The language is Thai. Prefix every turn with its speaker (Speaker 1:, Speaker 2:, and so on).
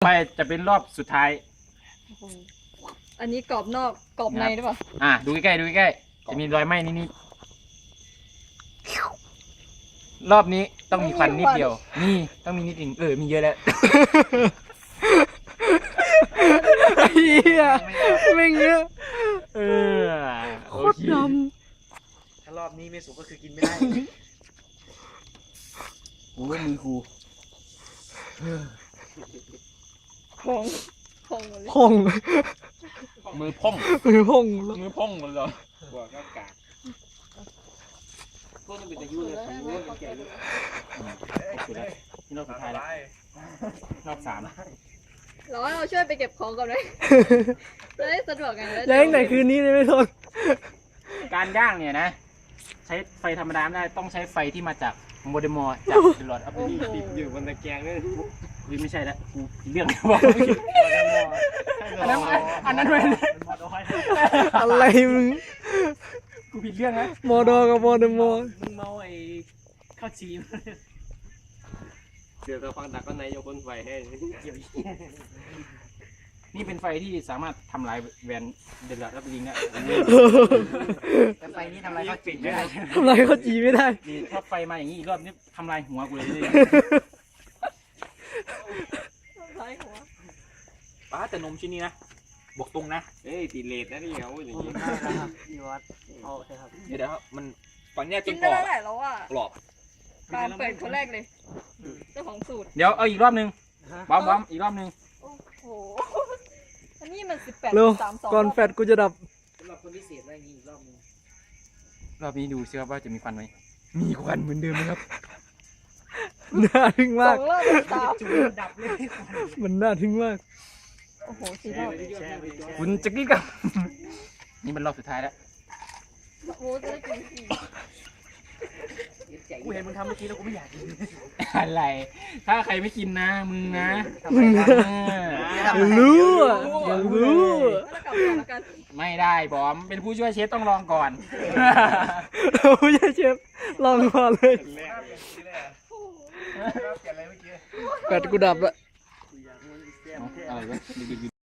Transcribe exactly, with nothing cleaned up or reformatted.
Speaker 1: ไปจะเป็นรอบสุดท้าย
Speaker 2: อันนี้กรอบนอกกรอบในหรือเปล่า
Speaker 1: อ่ะดูใกล้ๆดูใกล้ๆจะมีรอยไหม้นิดๆรอบนี้ต้องมีควันนิดเดียวนี่ต้องมีนิดนึงเออมีเยอะแล้ว
Speaker 3: เฮียไม่เงี้ย
Speaker 1: เออ
Speaker 3: โคตรด
Speaker 4: ำถ้ารอบนี้ไม่สุกก็คือกินไม่ได้
Speaker 1: โอ้มือครู
Speaker 2: พองพองหมดเลย
Speaker 3: พอง
Speaker 1: มือพ่อง
Speaker 3: มือพอง
Speaker 1: มือพ่องหมดเลย
Speaker 4: บัวก็กากพวกนี้เป็นตะยุ่เลยผมรู้ว่าแก่ยุ่
Speaker 1: นี่รอบสุดท้ายแล้วรอบสาม
Speaker 2: เราเราช่วยไปเก็บของก่อนไหมจะได้สะดวกไง
Speaker 3: แรงแต่คืนนี้เลยไม่ทน
Speaker 1: การย่างเนี่ยนะใช้ไฟธรรมดาไม่ได้ต้องใช้ไฟที่มาจากโมเดมอจากเดลอดอัพเดท
Speaker 4: ติดอยู่บนตะแกรงนี่
Speaker 1: วิไม่ใช่ละกูเรื่องบอกอันนั้นอันนั้นเป็น
Speaker 3: อะไรมึง
Speaker 1: กูผิดเรื่องนะ
Speaker 3: มอดอกับมอเดมอ
Speaker 4: มึงเมาไอ้ข้าวชีเดี๋ยวเราฟังดักก็ไหนยกคนไฟให้เกี่ยว
Speaker 1: นี่เป็นไฟที่สามารถทำลายแวนเดลอดอัพเดทได้แต่ไฟนี้ทำลายเขาปิดไม่ได้
Speaker 3: ทำไรเขาจีไม่ได้
Speaker 1: นี่ถ้าไฟมาอย่างนี้อีกรอบนี้ทำลายหัวกูเลย ป้าแต่นมชิ้นนี้นะบอกตรงนะ
Speaker 4: เอ้ยติดเลทนะนี่เขาอย่างนี้
Speaker 3: ครับพี่วัดเอาใช่ครับ
Speaker 1: เดี๋ยวมันฝั่งเนี้ยจ
Speaker 2: กิ
Speaker 1: น
Speaker 2: น
Speaker 1: กร
Speaker 2: ได้
Speaker 1: อบ
Speaker 2: แล้วแหละแล้วอ่ะ
Speaker 1: กรอบ
Speaker 2: ปาล์มเปิดคนแรกเลยเจ้าของสูตร
Speaker 1: เดี๋ยวเอาอีกรอบนึงบ้อมบ้อมอีกรอบนึง
Speaker 2: โอ้โหอันนี้มันสิบแปด
Speaker 3: เร็ว
Speaker 2: สามสอง
Speaker 3: ก่อนแฟดกูจะดับ
Speaker 4: สำหรับคนพิเศษอะไรอย่างนี้อีกรอบนึง
Speaker 1: รอบนี้ดูซิครับว่าจะมีควันไหมมีควันเหมือนเดิมไหมครับ
Speaker 3: น่าทึ่ง
Speaker 2: ส
Speaker 3: มา
Speaker 2: อก งรอบตาม
Speaker 4: จุดดับเลย
Speaker 3: มันน่าทึ่งมาก
Speaker 2: โอ้โหสี่รอบ
Speaker 1: คุณจะกี้กับ นี่มันรอบสุดท้ายแล้ว
Speaker 2: โอ้โหจะได้กินสี่
Speaker 4: กูเห็นมึงทำเมื่อกี้แล้วกูไม่อยากกิน
Speaker 1: อะไร ถ้าใครไม่กินนะมึงนะ
Speaker 3: มึง
Speaker 1: เออ
Speaker 3: รู้อ่ะอย่ารู้
Speaker 2: แล้วกลับมาแล้วกัน
Speaker 1: ไม่ได้บอมเป็นผู้ช่วยเชฟต้องลองก่อน
Speaker 3: เราไม่ใช่เชฟลองก่อนเลยแฟดกูดับละ
Speaker 1: อะไรวะ